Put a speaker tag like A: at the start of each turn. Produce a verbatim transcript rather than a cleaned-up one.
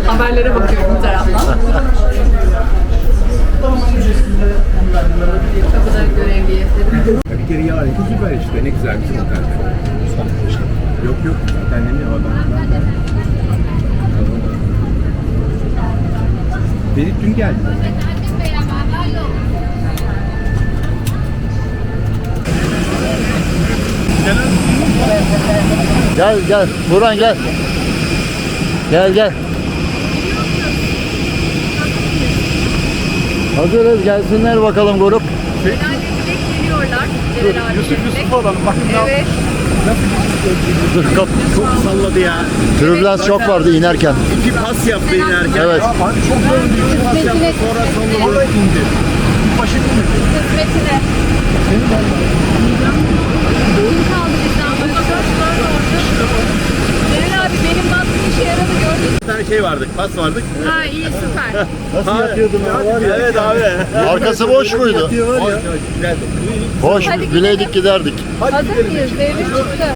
A: Haberlere bakıyorum bir taraftan. Kapıda görevliye dedim.
B: Bir kere ya süper işte ne güzel bir otel. Yok yok zaten ne mi adam. Beni dün geldi.
C: Gel gel Burhan gel. Gel gel. Hazırız, gelsinler bakalım grup.
A: Genelde direkt geliyorlar. Celal abi.
B: Yusuf Yusuf olalım bakın.
A: Evet.
C: Dur kap.
B: Çok salladı ya.
C: Türbülans çok vardı inerken.
B: İki pas yaptı inerken.
C: Evet.
B: Abi çok yoruldum. İki pas yaptı sonra salladı. Oraya indi. Başı indi.
A: Kısmetine. Kim kaldı bizden? Başka Celal abi benim bastığım işe yaradı gördün mü?
B: Bir tane şey vardık, pas vardık.
A: Ha iyi süper.
C: Nasıl yatıyordun abi?
B: Evet abi.
C: Arkası boş muydu?
B: Güzeldi.
C: Boş, bileydik giderdik.
A: Hazır mıyız? Devrim çıktı.